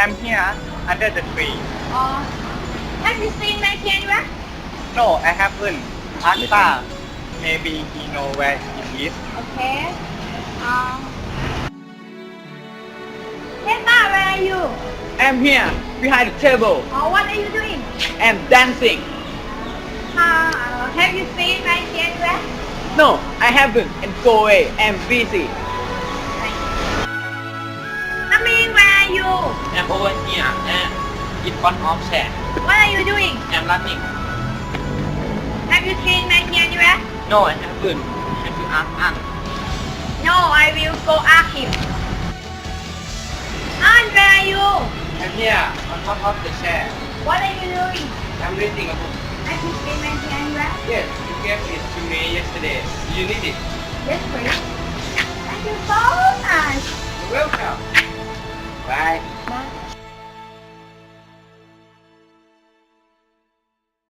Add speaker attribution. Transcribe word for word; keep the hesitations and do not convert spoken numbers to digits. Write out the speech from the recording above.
Speaker 1: I'm here under the tree.
Speaker 2: Or have you seen my camera?
Speaker 1: No, I haven't. Asta, maybe he know where it is.
Speaker 2: Okay. Um. Hey, Ma, where are you?
Speaker 3: I'm here, behind the table.
Speaker 2: Or what are you doing?
Speaker 3: I'm dancing.
Speaker 2: Uh, have you seen my camera?
Speaker 3: No, I haven't. And go away. I'm busy.
Speaker 2: Amin, where are you?
Speaker 4: I'm over here and in front of chair.
Speaker 2: What are you doing?
Speaker 4: I'm running.
Speaker 2: Have you seen my camera?
Speaker 4: No, I haven't. Have you asked Aunt?
Speaker 2: No, I will go ask him. Aunt, where are you?
Speaker 4: I'm here on top of the chair.
Speaker 2: What are you doing?
Speaker 4: I'm reading a book.
Speaker 2: Have you seen my camera?
Speaker 4: Yes, you gave it to me yesterday. You need it.
Speaker 2: Yes, please. Thank you so much.